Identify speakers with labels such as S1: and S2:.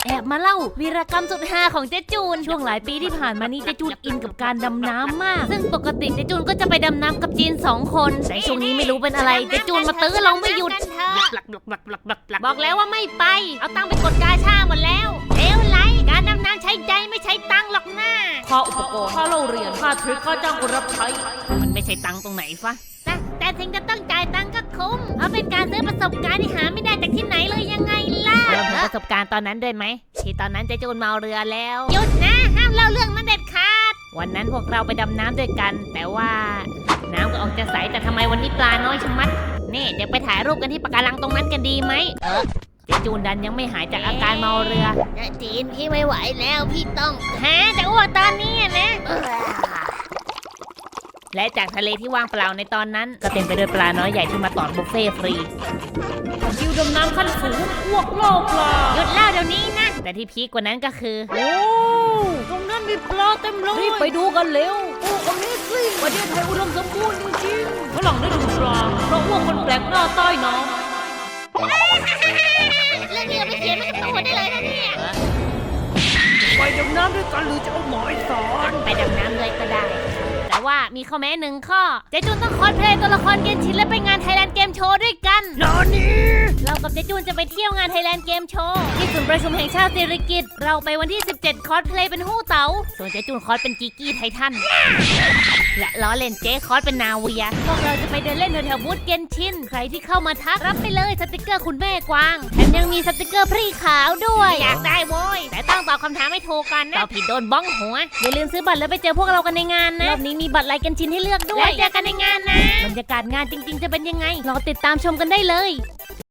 S1: แอบมาเล่าวีรกรรมสุดฮาของเจ๊จูนช่วงหลายปีที่ผ่านมานี้เจ๊จูนอินกับการดำน้ำมากซึ่งปกติเจ๊จูนก็จะไปดำน้ำกับจีน2 คนแต่ช่วงนี้ไม่รู้เป็นอะไรเจ๊จูนมาตื้อลงไม่หยุดบอกแล้วว่าไม่ไปเอาตังค์ไปกดกาชาหมดแล้วเลวไหลการดำน้ำใช้ใจไม่ใช้ตังค์หรอกนะค่าอุปกรณ์ค่าเล่าเรียนค่าทริคค่าจ้างคนรับใช้มันไม่ใช่ตังค์ตรงไหนฟะแต่ถึงจะต้องจ่ายตังค์ก็คุ้มเพราะเป็นการซื้อประสบการณ์ที่หาไม่ได้จากที่ไหนเลยยังไงล่ะรวมถึงประสบการณ์ตอนนั้นด้วยไหมที่ตอนนั้นเจ๊จูนเมาเรือแล้วหยุดนะห้ามเล่าเรื่องนั้นเด็ดขาดวันนั้นพวกเราไปดำน้ำด้วยกันแต่ว่าน้ำก็ออกจะใสแต่ทำไมวันนี้ปลาน้อยชะมัดนี่เดี๋ยวไปถ่ายรูปกันที่ปะการังตรงนั้นกันดีไหมเจ๊จูนดันยังไม่หายจากอาการเมาเรือจีนพี่ไม่ไหวแล้วพี่ต้องจะอ้วกตอนนี้นะและจากทะเลที่ว่างเปล่าในตอนนั้นก็เต็มไปด้วยปลาน้อยใหญ่ที่มาตอดบุฟเฟ่ฟรีคิวดำน้ำขั้นสูงอ้วกโลกปลาหยุดเล่าเดี๋ยวนี้นะแต่ที่พีคกว่านั้นก็คือโอ้ตรงนั้นมีปลาเต็มเลยรีบไปดูกันเร็วโอ้อเมซิ่งประเทศไทยอุดมสมบูรณ์จริงๆฝรั่งได้ดูปลาเพราะอ้วกคนแปลกหน้าใต้น้ำเรื่องนี้เอาไปเขียนไว้กับตัวได้เลยนะเนี่ยไปดำน้ำด้วยกันหรือจะเอาหมอยสอนไปดำน้ำเลยก็ได้แต่ว่ามีข้อแม้1 ข้อเจ๊จูนต้องคอสเพลย์ตัวละครเกมชินและไปงานไทยแลนด์เกมโชว์ด้วยกันนอนนี่เรากับเจ๊จูนจะไปเที่ยวงานไทยแลนด์เกมโชว์ที่ศูนย์ประชุมแห่งชาติสิริกิติ์เราไปวันที่17คอสเพลย์เป็นฮู้เต๋าส่วนเจ๊จูนคอสเป็นจิกกี้ไททันและล้อเล่นเจ๊คอสเป็นนาเวียพวกเราจะไปเดินเล่นแถวๆบูธเกมชินใครที่เข้ามาทักรับไปเลยสติกเกอร์คุณแม่กวางแถมยังมีสติกเกอร์พรีขาวด้วยอยากได้โว้ยแต่ต้องตอบคำถามให้ถูกกันนะตอบผิดโดนบ้องหัวอย่าลืมซื้อบัตรแล้วไปเจอพวกเรากันในงานนะรอบนี้มีบัตรไลค์กันชินให้เลือกด้วยแล้วเจอกันในงานนะบรรยากาศงานจริงๆจะเป็นยังไงรอติดตามชมกันได้เลย